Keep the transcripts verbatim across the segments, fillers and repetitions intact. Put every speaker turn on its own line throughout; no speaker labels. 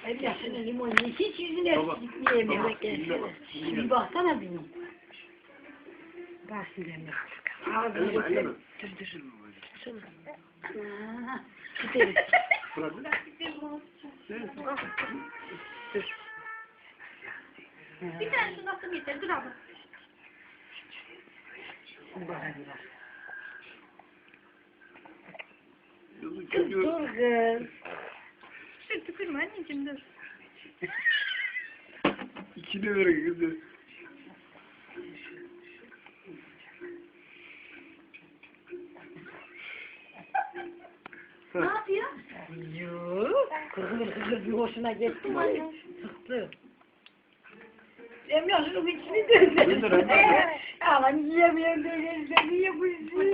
Evlasına limon ye. Hiç yüzüne gitmeyemiyor. Bir baksana bir. Bak silahını. Ağzını götür. Dur dur. Şuna. Gidelim. Dur.
Bir tane şunu atım yeter. Dur abla.
Kız dur kız.
Dur tükürme anneciğim dur.
İçine verin kızı.
Ne yapıyor?
Yok. Kırgır kırgır bir hoşuna gitti mi? Sıktı. Emrah şunu bir içini döndü. Aman yiyemiyorum dönüyorsa niye bu işi?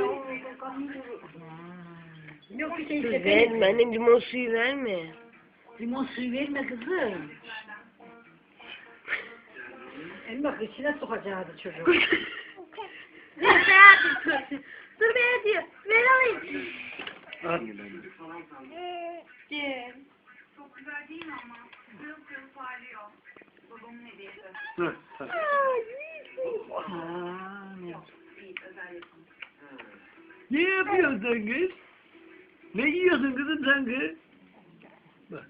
Yok bir şey
Kız verme annem, limon suyu verme.
Limon suyu verme kızım. Emrah içine sokacaktı çocuk.
Dur be Dur be diyor. Ver alayım. Gel.
Çok güzel değil mi ama? Pırıl pırıl parlıyor. Babamın hediyesi.
Hı, hı.
Aa, ne?
Ne yapıyorsun sen kız? Ne yiyorsun kızım sen kız? Bak.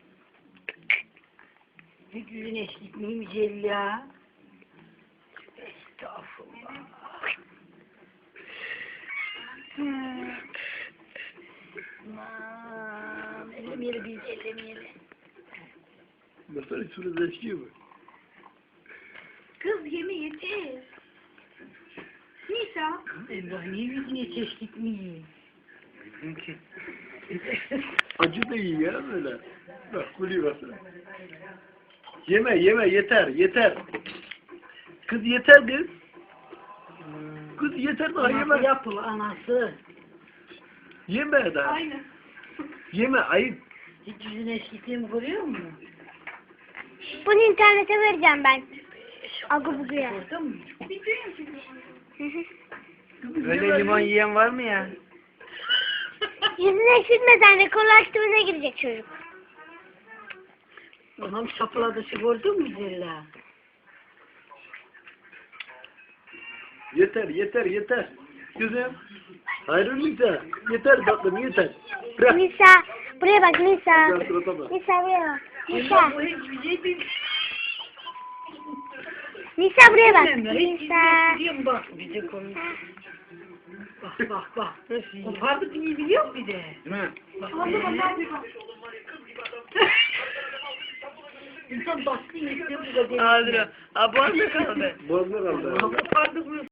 Bir yüzün eşlik miyim güzel ya? Estağfurullah. Aman, ellemeyelim biz ellemeyelim.
Mesela şurada eşkiyor mu?
Kız yeme yeter. Nisa.
Emrah niye yüzüne çeşitlik miyim?
Acı da iyi ya böyle. Bak kuli basın. Yeme yeme yeter yeter. Kız yeter kız. Kız yeter daha
Anası
yeme.
yapıl anası.
Yeme daha.
Aynen.
Yeme ayıp.
Hiç yüzüne eşlikliğimi görüyor musun?
Bunu internete vereceğim ben. Agı buguya.
Gördün mü?
Bitiriyor musun?
Öyle limon yiyen var mı ya?
Yüzüne eksiltmeden rekorlaştırmaya girecek çocuk.
Anam şapıladışı gördün mü Zella?
Yeter yeter yeter. Kızım. Ayrılmayacak. Yeter tatlım yeter. Bırak.
Nisa, buraya bak Nisa.
Bırak surata bak.
Nisa buraya bak. Nisa,
Bu hiçbir şey değil.
Nisa buraya bak.
Bilmem ya, hiç
Nisa.
biliyor musun? Bak bir de konu. Bak bak bak. Kopardık iyi biliyor bir de.
Değil mi?
İnsan baskı yedi bu da değil.
Abi, abi kaldı.
Boğazına kaldı.
Kopardık mı?